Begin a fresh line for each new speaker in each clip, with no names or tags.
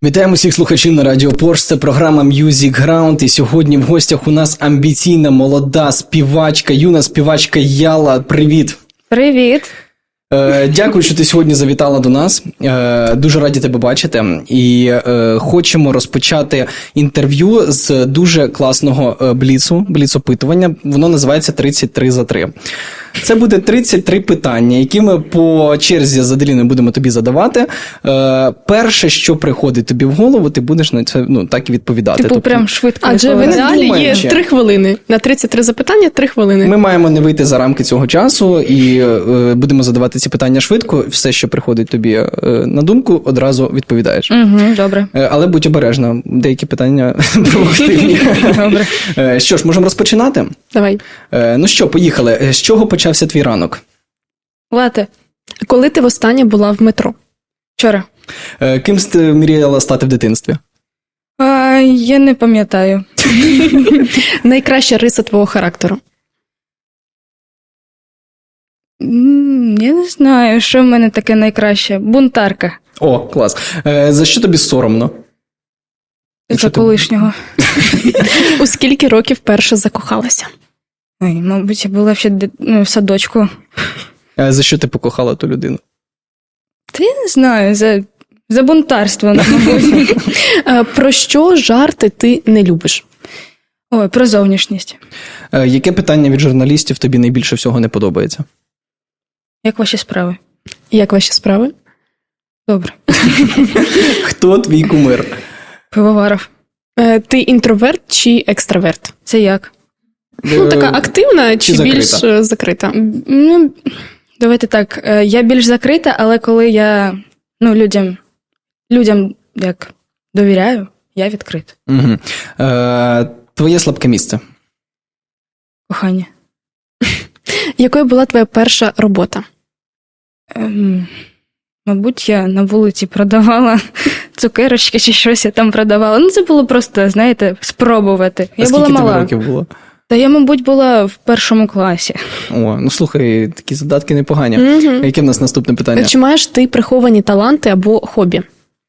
Вітаємо всіх слухачів на Радіо Порш, це програма Music Ground, і сьогодні в гостях у нас амбіційна, молода співачка, юна співачка Яла. Привіт!
Привіт!
Дякую, що ти сьогодні завітала до нас. Дуже раді тебе бачити. І хочемо розпочати інтерв'ю з дуже класного бліц-опитування. Воно називається «33 за 3». Це буде 33 питання, які ми по черзі з Аделіною будемо тобі задавати. Перше, що приходить тобі в голову, ти будеш на це так і відповідати.
Тобто, прям швидко.
Адже в ідеалі є 3 хвилини. На 33 запитання 3 хвилини.
Ми маємо не вийти за рамки цього часу і будемо задавати ці питання швидко. Все, що приходить тобі на думку, одразу відповідаєш.
Угу, добре.
Але будь обережна, деякі питання провокативні.
Добре.
Що ж, можемо розпочинати?
Давай.
Ну що, поїхали. З чого почався твій ранок?
Лате.
Коли ти востаннє була в метро?
Вчора.
Ким ти мріяла стати в дитинстві?
Я не пам'ятаю.
Найкраща риса твого характеру?
Я не знаю, що в мене таке найкраще. Бунтарка.
О, клас. За що тобі соромно?
За колишнього.
У скільки років перше закохалася?
Ой, мабуть, я була ще в садочку.
За що ти покохала ту людину?
Та я не знаю, за бунтарство, мабуть.
Про що жарти ти не любиш?
Ой, про зовнішність.
Яке питання від журналістів тобі найбільше всього не подобається?
Як ваші справи?
Як ваші справи?
Добре.
Хто твій кумир?
Пивоваров.
Ти інтроверт чи екстраверт?
Це як?
Така активна чи більш закрита?
Ну, давайте так. Я більш закрита, але коли я людям як довіряю, я відкрита.
Угу. Твоє слабке місце?
Кохання.
Якою була твоя перша робота?
Мабуть, я на вулиці продавала цукерочки чи щось я там продавала. Ну, це було просто, знаєте, спробувати. Я була мала.
Скільки тобі років було?
Та я, мабуть, була в 1 класі.
О, ну слухай, такі задатки непогані.
Угу.
Яке в нас наступне питання?
Чи маєш ти приховані таланти або хобі?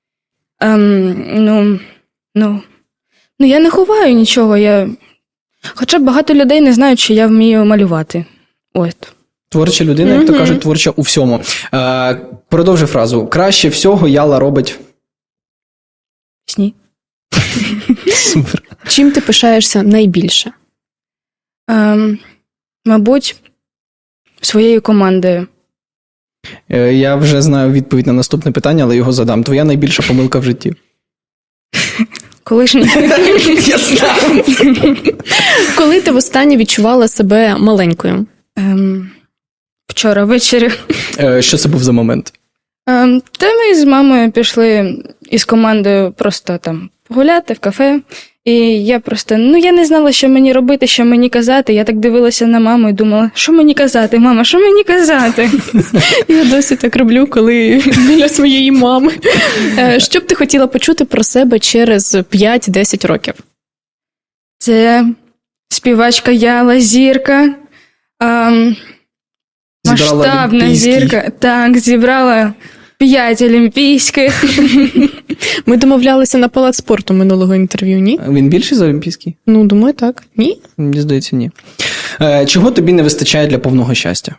Я не ховаю нічого. Хоча багато людей не знають, що я вмію малювати. От.
Творча людина, як то кажуть, творча у всьому. Продовжи фразу. Краще всього Яла робить...
Сні.
Супер.
Чим ти пишаєшся найбільше?
Мабуть, своєю командою.
Я вже знаю відповідь на наступне питання, але його задам. Твоя найбільша помилка в житті?
Колишній.
Я знаю.
Коли ти востаннє відчувала себе маленькою?
Вчора ввечері.
Що це був за момент?
Та ми з мамою пішли із командою просто там погуляти в кафе. І я просто, я не знала, що мені робити, що мені казати. Я так дивилася на маму і думала, що мені казати, мама, що мені казати?
Я досі так роблю, коли біля своєї мами. Що б ти хотіла почути про себе через 5-10 років?
Це співачка Яла, зірка, масштабна зірка. Так, зібрала 5 олімпійських.
Ми домовлялися на палац спорту минулого інтерв'ю, ні?
Він більший за олімпійський?
Ну, думаю, так. Ні?
Мені здається, ні. Чого тобі не вистачає для повного щастя?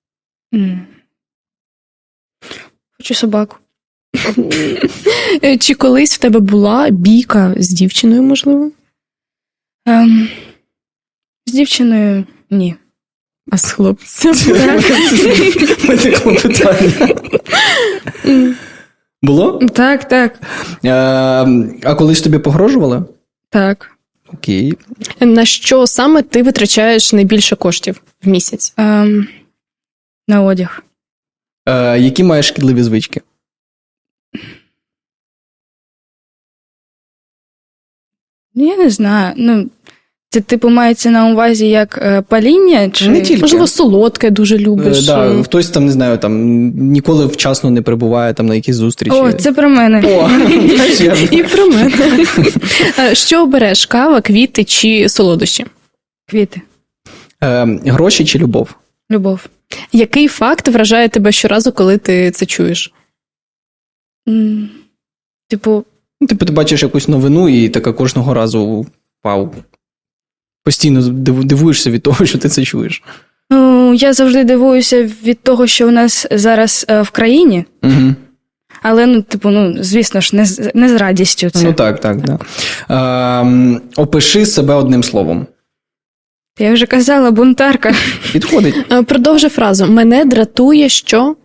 Хочу собаку.
Чи колись в тебе була бійка з дівчиною, можливо?
З дівчиною – ні.
А з хлопцем?
Виникло питання. Було?
Так.
А колись тобі погрожували?
Так.
Окей.
На що саме ти витрачаєш найбільше коштів в місяць?
На одяг.
Які маєш шкідливі звички?
Я не знаю. Це, типу, мається на увазі як паління? Чи...
Не тільки.
Можливо, солодке дуже любиш.
Хтось там, не знаю, ніколи вчасно не прибуває на якісь зустрічі.
О, це про мене.
І про мене. Що обереш? Кава, квіти чи солодощі?
Квіти.
Гроші чи любов?
Любов.
Який факт вражає тебе щоразу, коли ти це чуєш?
Типу,
Ну, типу, ти бачиш якусь новину і така кожного разу, вау, постійно дивуєшся від того, що ти це чуєш.
Ну, я завжди дивуюся від того, що у нас зараз в країні.
Угу.
Але, ну, типу, ну, звісно ж, не з радістю це.
Ну, так. Да. Опиши себе одним словом.
Я вже казала, бунтарка.
Підходить.
Продовжи фразу. Мене дратує, що...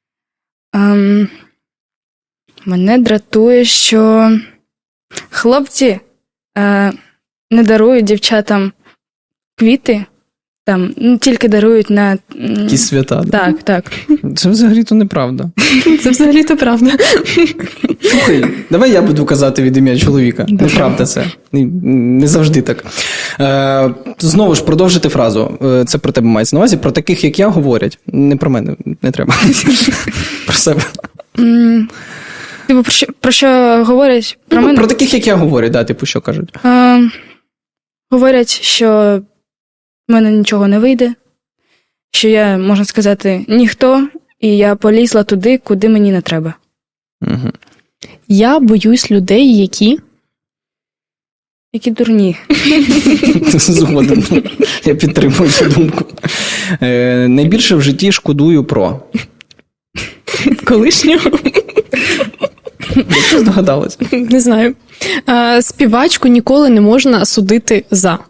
Мене дратує, що хлопці не дарують дівчатам квіти, там, ну, тільки дарують на...
Якісь свята. Да?
Так.
Це взагалі-то неправда.
Це взагалі-то правда.
Слухай, давай я буду казати від ім'я чоловіка. Неправда це. Не завжди так. Знову ж, продовжити фразу. Це про тебе мається на увазі. Про таких, як я, говорять. Не про мене, не треба. Про себе.
Типу, про що говорять? Про мене?
Про таких, як я, говорять, да, типу, що кажуть.
Говорять, що в мене нічого не вийде, що я, можна сказати, ніхто, і я полізла туди, куди мені не треба.
Угу.
Я боюсь людей, які...
Які дурні.
Згоден. Я підтримую цю думку. Найбільше в житті шкодую про...
Колишнього?
Як ти здогадалась?
Не знаю. Співачку ніколи не можна судити за...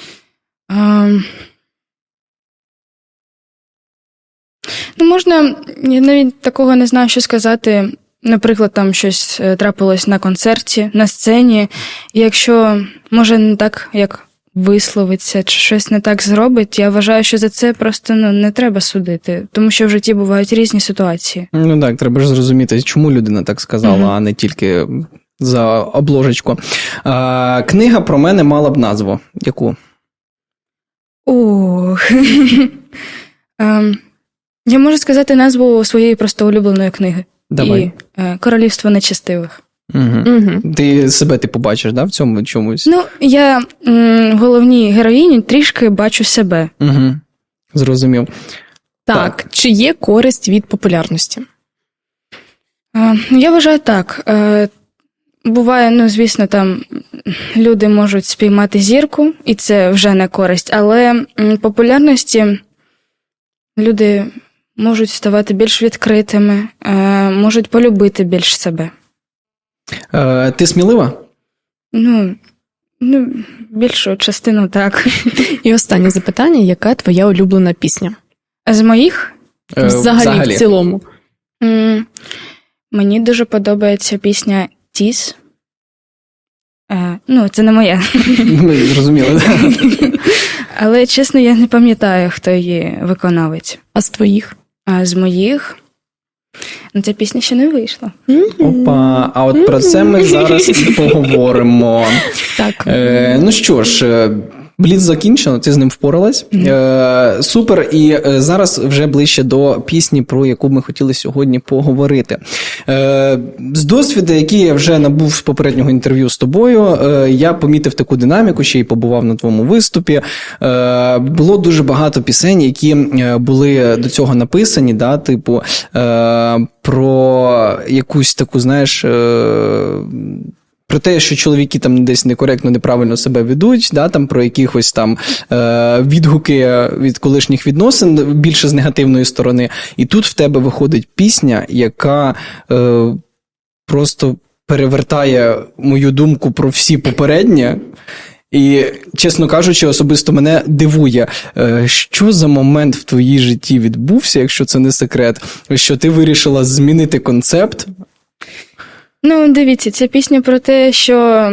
Ну, можна, я навіть такого не знаю, що сказати. Наприклад, там щось трапилось на концерті, на сцені, і якщо, може, не так, як висловиться, чи щось не так зробить, я вважаю, що за це просто не треба судити, тому що в житті бувають різні ситуації.
Ну так, треба ж зрозуміти, чому людина так сказала, а не тільки за обложечку. Книга про мене мала б назву. Яку?
Ох. Я можу сказати назву своєї просто улюбленої книги.
Давай.
І «Королівство нечестивих».
Угу. Ти себе побачиш, да, в цьому чомусь?
Ну, я в головній героїні трішки бачу себе.
Угу. Зрозумів.
Так. Чи є користь від популярності?
Я вважаю так. Буває, ну, звісно, там люди можуть спіймати зірку, і це вже не користь, але популярності люди можуть ставати більш відкритими, можуть полюбити більш себе.
Ти смілива?
Ну, більшу частину так.
І останнє запитання, яка твоя улюблена пісня?
З моїх?
Взагалі, в цілому.
Мені дуже подобається пісня «Тіс». Ну, це не моя.
Ми зрозуміли, так.
Але, чесно, я не пам'ятаю, хто її виконавець.
А з твоїх?
А з моїх? Ну, ця пісня ще не вийшла.
Опа, а от про це ми зараз і поговоримо.
Так.
Ну що ж, бліц закінчено, ти з ним впоралась. Супер, і зараз вже ближче до пісні, про яку ми хотіли сьогодні поговорити. З досвіду, який я вже набув з попереднього інтерв'ю з тобою, я помітив таку динаміку, ще й побував на твоєму виступі. Було дуже багато пісень, які були до цього написані, да, типу, про якусь таку, знаєш, про те, що чоловіки там десь некоректно, неправильно себе ведуть, да, там про якихось там відгуки від колишніх відносин, більше з негативної сторони. І тут в тебе виходить пісня, яка просто перевертає мою думку про всі попередні. І, чесно кажучи, особисто мене дивує, що за момент в твоїй житті відбувся, якщо це не секрет, що ти вирішила змінити концепт.
Ну, дивіться, ця пісня про те, що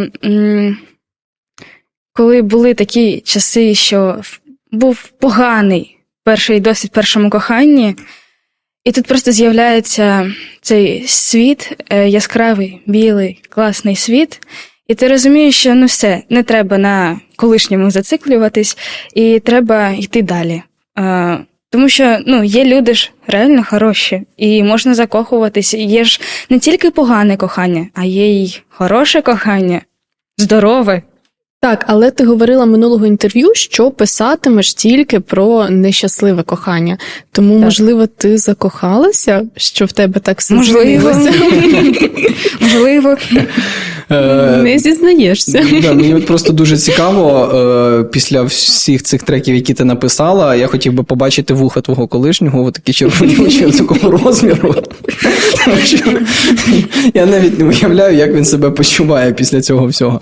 коли були такі часи, що був поганий перший досвід в першому коханні, і тут просто з'являється цей світ, яскравий, білий, класний світ, і ти розумієш, що ну все, не треба на колишньому зациклюватись, і треба йти далі. Тому що, ну, є люди ж реально хороші, і можна закохуватися. Є ж не тільки погане кохання, а є й хороше кохання, здорове.
Так, але ти говорила минулого інтерв'ю, що писатимеш тільки про нещасливе кохання. Тому, так, можливо, ти закохалася, що в тебе так все змінилося?
Можливо.
Не зізнаєшся.
Да, мені от просто дуже цікаво, після всіх цих треків, які ти написала, я хотів би побачити вуха твого колишнього, такі червоні очі такого розміру. Тому що я навіть не уявляю, як він себе почуває після цього всього.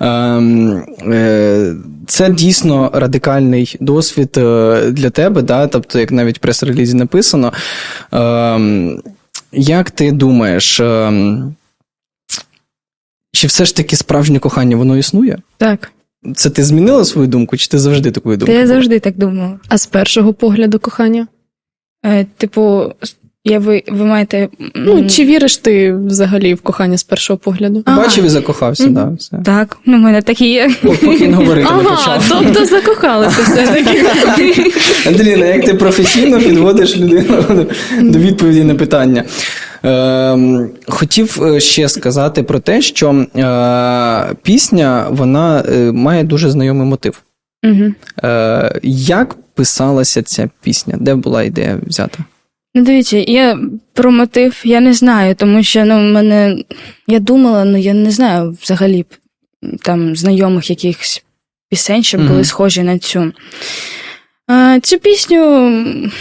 Це дійсно радикальний досвід для тебе, да? Тобто, як навіть в прес-релізі написано. Як ти думаєш, чи все ж таки справжнє кохання, воно існує?
Так.
Це ти змінила свою думку, чи ти завжди такою
Та
думкою?
я завжди так думала.
А з першого погляду кохання?
Типу, ви маєте...
Ну, чи віриш ти взагалі в кохання з першого погляду?
Бачив і закохався, так. Да, все.
Так, в мене так і є.
Поки він говорити не
Ага,
почав.
тобто закохалася все-таки.
Андріна, як ти професійно підводиш людину до відповіді на питання? Хотів ще сказати про те, що пісня, вона має дуже знайомий мотив.
Угу.
Як писалася ця пісня? Де була ідея взята?
Ну, дивіться, я про мотив я не знаю, тому що я думала, я не знаю взагалі там знайомих якихось пісень, щоб були схожі на цю. Цю пісню,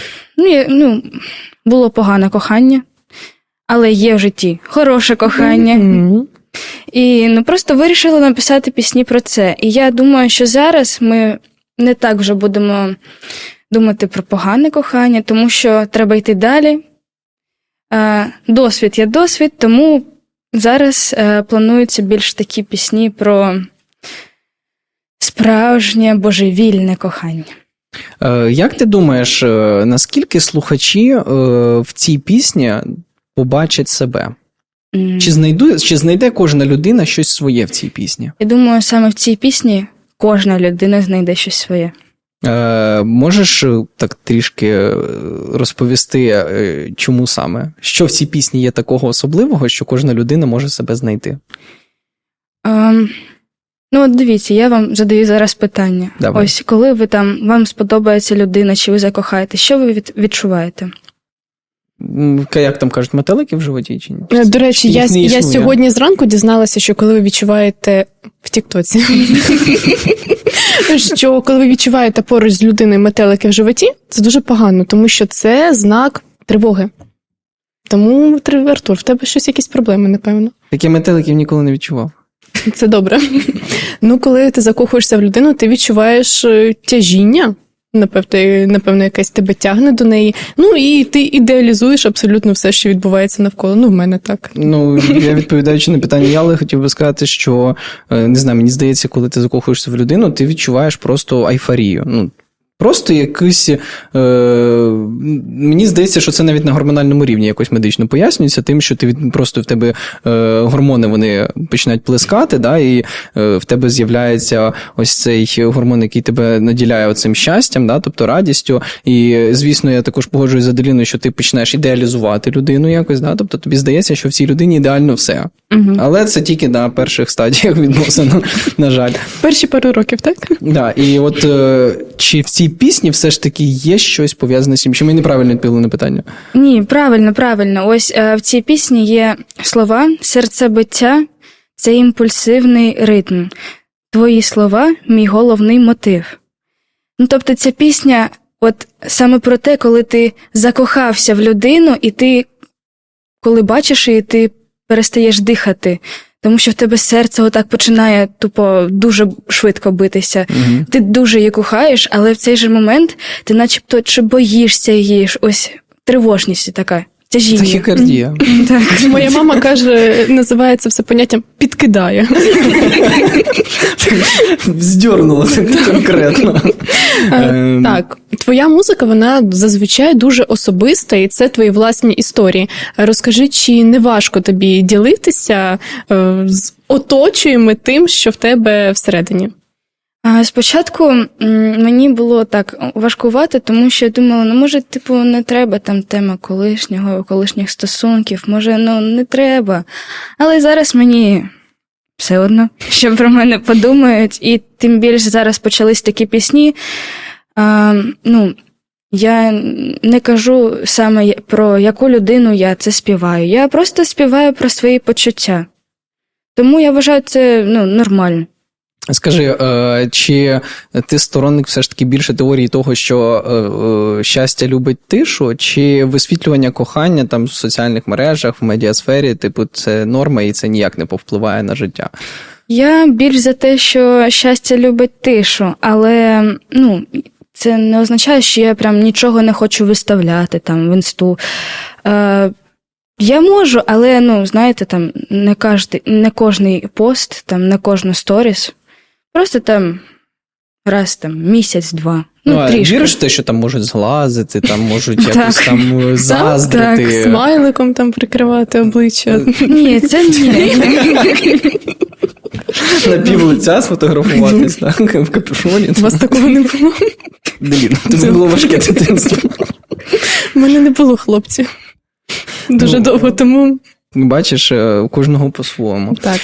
було погане кохання, але є в житті хороше кохання. І просто вирішила написати пісні про це. І я думаю, що зараз ми не так вже будемо думати про погане кохання, тому що треба йти далі. Досвід є досвід, тому зараз плануються більш такі пісні про справжнє божевільне кохання.
Як ти думаєш, наскільки слухачі в цій пісні побачать себе? Чи знайде кожна людина щось своє в цій пісні?
Я думаю, саме в цій пісні кожна людина знайде щось своє.
Можеш так трішки розповісти, чому саме? Що в цій пісні є такого особливого, що кожна людина може себе знайти?
От дивіться, я вам задаю зараз питання.
Давай.
Ось, коли вам сподобається людина, чи ви закохаєте, що ви відчуваєте?
Як там кажуть, метелики в животі чи ні?
До речі,
Їх не
я
існує.
сьогодні зранку дізналася, що коли ви відчуваєте в Тіктоці, що коли ви відчуваєте поруч з людиною метелики в животі, це дуже погано, тому що це знак тривоги. Тому, Артур, в тебе щось якісь проблеми, напевно.
Такі метеликів ніколи не відчував.
Це добре. Ну, коли ти закохуєшся в людину, ти відчуваєш тяжіння. Напевно, якась тебе тягне до неї. Ну, і ти ідеалізуєш абсолютно все, що відбувається навколо. Ну, в мене так.
Ну, я відповідаючи на питання Яли, хотів би сказати, що, не знаю, мені здається, коли ти закохуєшся в людину, ти відчуваєш просто айфорію. Ну, просто якийсь, мені здається, що це навіть на гормональному рівні якось медично пояснюється тим, що ти просто в тебе гормони вони починають плескати, да, і в тебе з'являється ось цей гормон, який тебе наділяє оцим щастям, да, тобто радістю. І, звісно, я також погоджуюсь з Аделіною, що ти починаєш ідеалізувати людину якось, да, тобто тобі здається, що в цій людині ідеально все. Але це тільки на перших стадіях відносин, на жаль.
Перші пару років, так?
Да, і от чи в цій пісні все ж таки є щось пов'язане з цим? Чи ми неправильно відповіли на питання?
Ні, правильно. Ось в цій пісні є слова «Серцебиття – це імпульсивний ритм. Твої слова – мій головний мотив». Ну, тобто ця пісня от саме про те, коли ти закохався в людину, і ти, коли бачиш її, ти перестаєш дихати. Тому що в тебе серце отак починає тупо дуже швидко битися. Ти дуже її кохаєш, але в цей же момент ти начебто чи боїшся її, ось тривожність така, тяжіння.
Тахікардія.
Так.
Моя мама каже, називає це все поняттям «підкидає».
Здьорнула так конкретно.
Так, твоя музика, вона зазвичай дуже особиста, і це твої власні історії. Розкажи, чи не важко тобі ділитися з оточуємо тим, що в тебе всередині?
Спочатку мені було так важкувати, тому що я думала, може, не треба там тема колишніх стосунків, може, не треба. Але зараз мені все одно, що про мене подумають, і тим більше зараз почались такі пісні. Я не кажу саме про яку людину я це співаю. Я просто співаю про свої почуття. Тому я вважаю це нормально.
Скажи, чи ти сторонник все ж таки більше теорії того, що щастя любить тишу, чи висвітлювання кохання там в соціальних мережах, в медіасфері, типу, це норма і це ніяк не повпливає на життя?
Я більш за те, що щастя любить тишу, але це не означає, що я прям нічого не хочу виставляти там в інсту. Я можу, але, знаєте, там не кожний пост, там не кожну сторіс. Просто там раз там місяць-два.
А
трішки.
віриш в те, що там можуть зглазити, там можуть якось там заздрити?
Так, смайликом там прикривати обличчя.
Ні, це ні.
На пів лиця сфотографуватись, так, в капюшоні.
У вас такого не було?
Блін, тобі було важке дитинство.
У мене не було хлопців. Дуже довго тому.
Бачиш, у кожного по-своєму.
Так.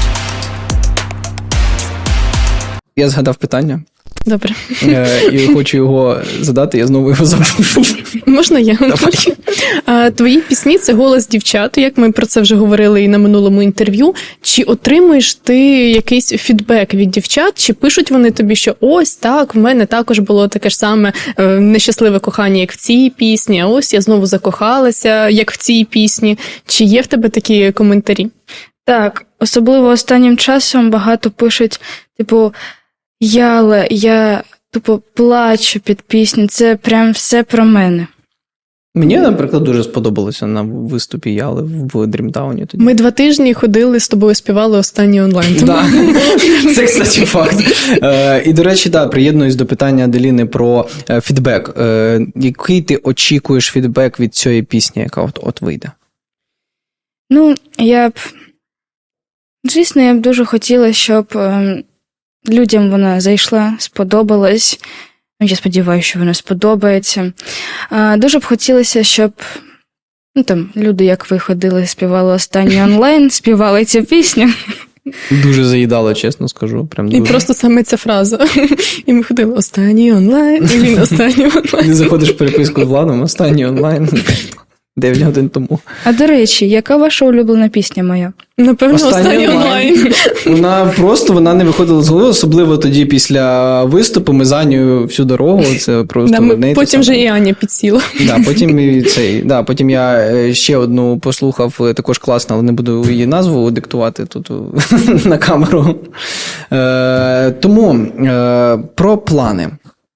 Я згадав питання.
Добре.
І хочу його задати, я знову його забув.
Можна я? Твої пісні – це голос дівчат, як ми про це вже говорили і на минулому інтерв'ю. Чи отримуєш ти якийсь фідбек від дівчат, чи пишуть вони тобі, що ось так, в мене також було таке ж саме нещасливе кохання, як в цій пісні, а ось я знову закохалася, як в цій пісні. Чи є в тебе такі коментарі?
Так, особливо останнім часом багато пишуть, типу, я тупо плачу під пісню, це прям все про мене.
Мені, наприклад, дуже сподобалося на виступі Яли в Дрімтауні. Тоді.
Ми 2 тижні ходили з тобою, співали останній онлайн.
Да. Це, кстати, факт. І, до речі, приєднуюсь до питання Аделіни про фідбек. Який ти очікуєш фідбек від цієї пісні, яка от вийде?
Звісно, я б дуже хотіла, щоб людям вона зайшла, сподобалась. Я сподіваюся, що вона сподобається. Дуже б хотілося, щоб люди, як ви ходили, співали останній онлайн, співали цю пісню.
Дуже заїдало, чесно скажу. Прям дуже.
І просто саме ця фраза. І ми ходили останній онлайн, і він останній онлайн.
Ти заходиш в переписку з Владом, останній онлайн. 9 годин тому.
А до речі, яка ваша улюблена пісня моя?
Напевно, останній онлайн.
Вона не виходила з голови, особливо тоді після виступу. Ми з Анею всю дорогу. Це просто
потім вже і Аня підсіла.
Потім я ще одну послухав, також класно, але не буду її назву диктувати тут на камеру. Тому про плани.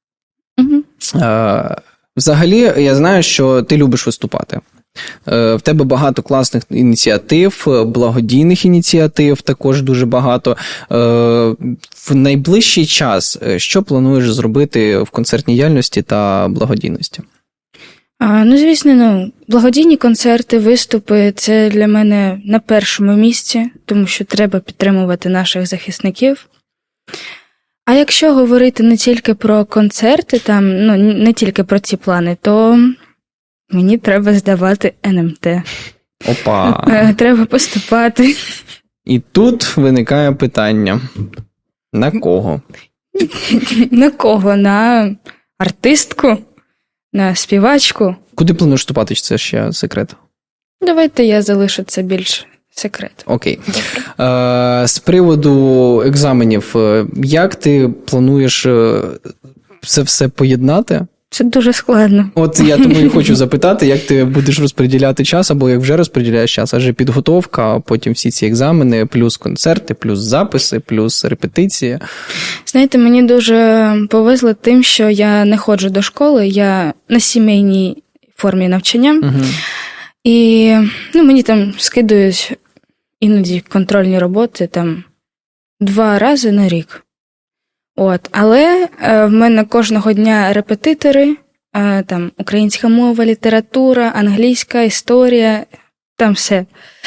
Взагалі, я знаю, що ти любиш виступати. В тебе багато класних ініціатив, благодійних ініціатив також дуже багато. В найближчий час що плануєш зробити в концертній діяльності та благодійності?
Звісно, благодійні концерти, виступи – це для мене на першому місці, тому що треба підтримувати наших захисників. А якщо говорити не тільки про концерти, не тільки про ці плани, то мені треба здавати НМТ.
Опа!
Треба поступати.
І тут виникає питання. На кого?
На кого? На артистку? На співачку?
Куди плануєш вступати, чи це ще секрет? Давайте
я залишу це більш секрет.
Окей. З приводу екзаменів, як ти плануєш це все поєднати?
Це дуже складно.
От я тому і хочу запитати, як ти будеш розподіляти час, або як вже розподіляєш час, адже підготовка, а потім всі ці екзамени, плюс концерти, плюс записи, плюс репетиції.
Знаєте, мені дуже повезло тим, що я не ходжу до школи, я на сімейній формі навчання.
Угу.
І мені там скидують іноді контрольні роботи 2 рази на рік. Але в мене кожного дня репетитори, українська мова, література, англійська, історія, там все.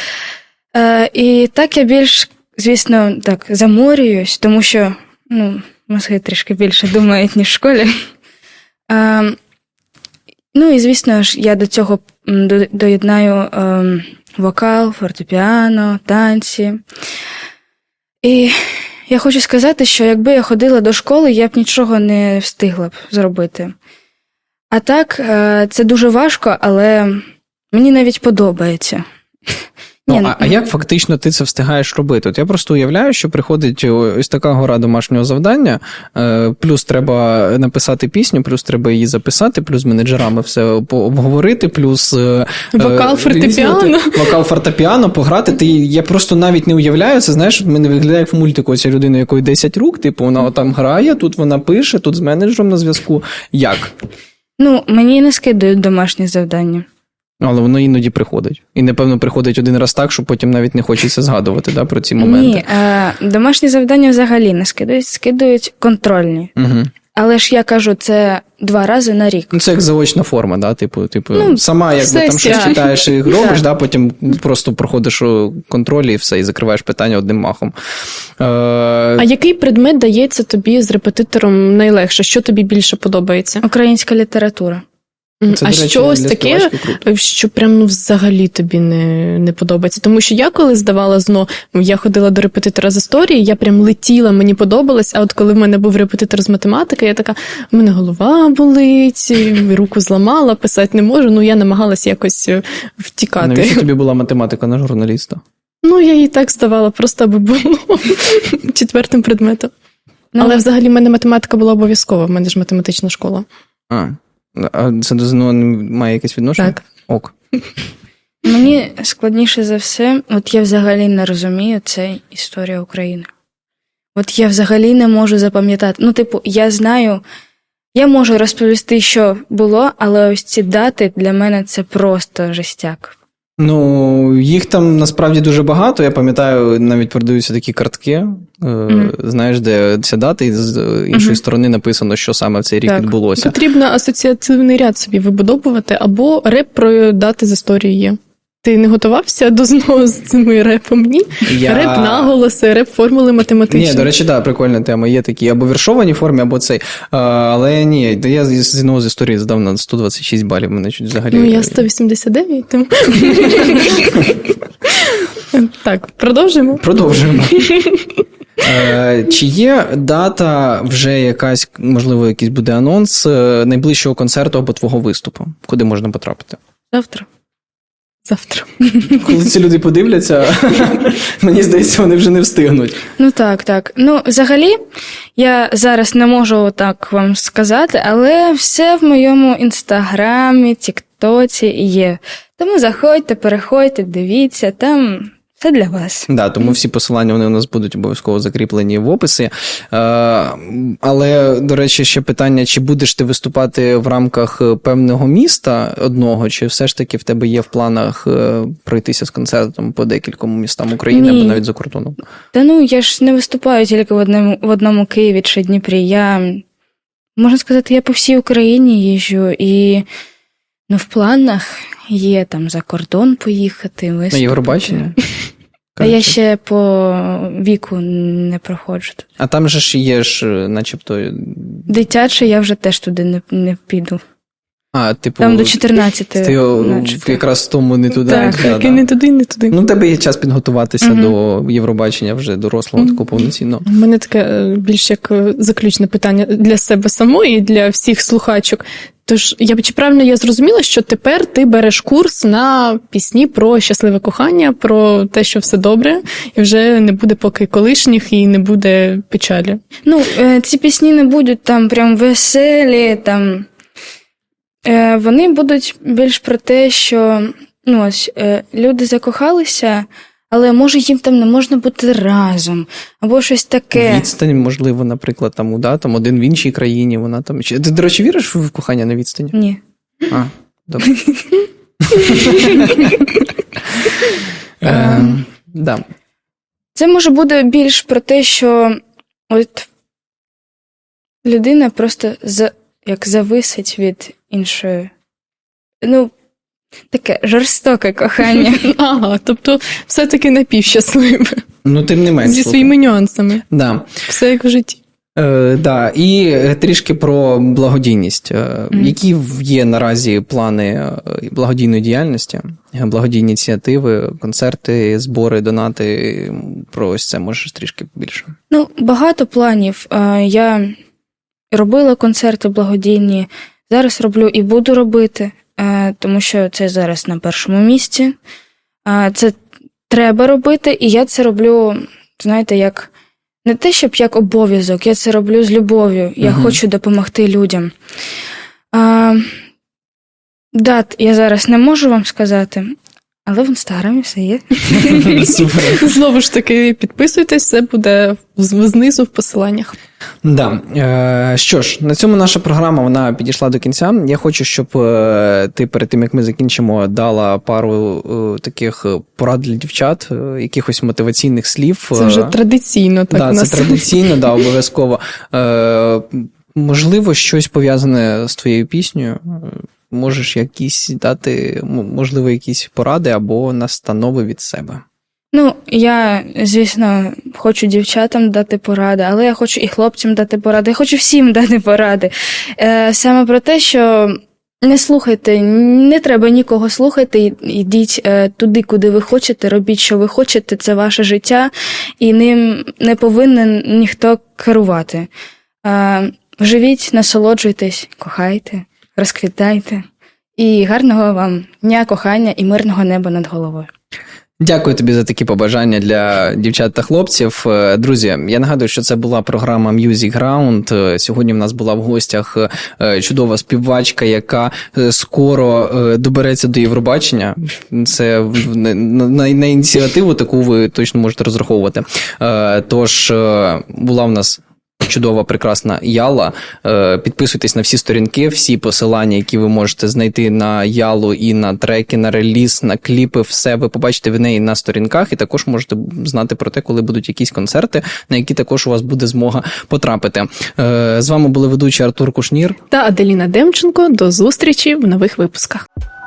І так я більш, звісно, заморююсь, тому що мозги трішки більше думають, ніж в школі. І, звісно ж, я до цього доєднаю вокал, фортепіано, танці. І я хочу сказати, що якби я ходила до школи, я б нічого не встигла б зробити. А так, це дуже важко, але мені навіть подобається.
Ну, а як фактично ти це встигаєш робити? От я просто уявляю, що приходить ось така гора домашнього завдання, плюс треба написати пісню, плюс треба її записати, плюс з менеджерами все обговорити, плюс
вокал, фортепіано.
Вокал, фортепіано, пограти. Я просто навіть не уявляю, це, знаєш, в мене виглядає як в мультику, ця людина, якої 10 рук, типу, вона там грає, тут вона пише, тут з менеджером на зв'язку. Як?
Ну, мені не скидають домашні завдання.
Але воно іноді приходить. І, напевно, приходить один раз так, що потім навіть не хочеться згадувати, да, про ці моменти.
Ні, домашні завдання взагалі не скидають контрольні.
Угу.
Але ж я кажу, це 2 рази на рік.
Ну, це як заочна форма, да? Типу,
Ну,
сама якби там
сесія.
щось читаєш і робиш, да? Потім просто проходиш контроль і все, і закриваєш питання одним махом.
А який предмет дається тобі з репетитором найлегше? Що тобі більше подобається?
Українська література.
Це,
А
до речі,
що ось
для
таке,
співачки круто.
що прям взагалі тобі не подобається? Тому що я коли здавала ЗНО, я ходила до репетитора з історії, я прям летіла, мені подобалось, а от коли в мене був репетитор з математики, я така, в мене голова болить, руку зламала, писати не можу, ну я намагалась якось втікати.
Навіщо тобі була математика на журналіста?
Ну, я її так здавала, просто аби було 4-м предметом.
Ну,
Але взагалі в мене математика була обов'язкова, в мене ж математична школа.
А це до ЗНО має якесь відношення?
Так.
Ок.
Мені складніше за все, от я взагалі не розумію, це історія України. От я взагалі не можу запам'ятати. Ну, типу, я знаю, я можу розповісти, що було, але ось ці дати для мене це просто жестяк.
Ну, їх там насправді дуже багато. Я пам'ятаю, навіть продаються такі картки, знаєш, де ця дата, і з іншої сторони написано, що саме в цей рік
Так.
відбулося.
Потрібно асоціативний ряд собі вибудовувати, або реп про дати з історії є. Ти не готувався до ЗНО з цими репом? Ні? Реп наголоси, реп формули математичні.
Ні, до речі, так, прикольна тема. Є такі або віршовані формі, або цей. Але ні, я з ЗНО з історії здав на 126 балів, мене чуть взагалі...
Ну, я 189, тому... Так, продовжимо?
Продовжуємо. Чи є дата вже якась, можливо, якийсь буде анонс найближчого концерту або твого виступу? Куди можна потрапити?
Завтра.
Завтра.
Коли ці люди подивляться, мені здається, вони вже не встигнуть.
Ну так. Ну, взагалі, я зараз не можу так вам сказати, але все в моєму інстаграмі, тіктоці є. Тому заходьте, переходьте, дивіться, там все для вас.
Да, тому всі посилання вони у нас будуть обов'язково закріплені в описі. Але, до речі, ще питання, чи будеш ти виступати в рамках певного міста одного, чи все ж таки в тебе є в планах пройтися з концертом по декільком містам України або навіть за кордоном?
Та ну, я ж не виступаю тільки в одному Києві чи Дніпрі. Можна сказати, я по всій Україні їжджу, і в планах є там за кордон поїхати, виступити.
На Євробачення?
А я ще по віку не проходжу.
А там же ж є начебто...
Дитяче я вже теж туди не піду.
А, типу...
Там до 14.
Ти якраз в тому не туди.
Так, і не туди, не туди.
Ну, в тебе є час підготуватися до Євробачення вже дорослого, такого повноцінного.
У мене таке більш як заключне питання для себе самої і для всіх слухачок. Тож, чи правильно я зрозуміла, що тепер ти береш курс на пісні про щасливе кохання, про те, що все добре, і вже не буде поки колишніх і не буде печалі?
Ну, ці пісні не будуть там прям веселі, там... Вони будуть більш про те, що люди закохалися, але може їм там не можна бути разом, або щось таке.
Відстань, можливо, наприклад, там один в іншій країні, вона там... Ти, до речі, віриш в кохання на відстані?
Ні.
А, добре. Да.
Це може бути більш про те, що от людина просто зависить від іншої. Ну, таке жорстоке кохання.
Ага, тобто все-таки напівщасливе.
Ну, тим не менш.
Зі своїми нюансами.
Да.
Все як в житті.
Да, і трішки про благодійність. Які є наразі плани благодійної діяльності, благодійні ініціативи, концерти, збори, донати? Про ось це можеш трішки більше?
Ну, багато планів. Я робила концерти благодійні, зараз роблю і буду робити, тому що це зараз на першому місці. Це треба робити, і я це роблю, знаєте, як не те, щоб як обов'язок, я це роблю з любов'ю. Я хочу допомогти людям. Дат я зараз не можу вам сказати, але в Інстаграмі все є.
Супер.
Знову ж таки, підписуйтесь, все буде знизу в посиланнях.
Да. Що ж, на цьому наша програма вона підійшла до кінця. Я хочу, щоб ти перед тим, як ми закінчимо, дала пару таких порад для дівчат, якихось мотиваційних слів.
Це вже традиційно. Так,
да, це традиційно, да, обов'язково. Можливо, щось пов'язане з твоєю піснею. Можеш якісь дати, можливо, якісь поради або настанови від себе.
Ну, я, звісно, хочу дівчатам дати поради, але я хочу і хлопцям дати поради, я хочу всім дати поради. Саме про те, що не слухайте, не треба нікого слухати, йдіть туди, куди ви хочете, робіть, що ви хочете, це ваше життя, і ним не повинен ніхто керувати. Живіть, насолоджуйтесь, кохайте, розквітайте, і гарного вам дня, кохання і мирного неба над головою.
Дякую тобі за такі побажання для дівчат та хлопців. Друзі, я нагадую, що це була програма Music Ground. Сьогодні в нас була в гостях чудова співачка, яка скоро добереться до Євробачення. Це на ініціативу таку ви точно можете розраховувати. Тож, була в нас чудова, прекрасна Яла. Підписуйтесь на всі сторінки, всі посилання, які ви можете знайти на Ялу і на треки, на реліз, на кліпи, все ви побачите в неї на сторінках, і також можете знати про те, коли будуть якісь концерти, на які також у вас буде змога потрапити. З вами були ведучі Артур Кушнір
та Аделіна Демченко. До зустрічі в нових випусках.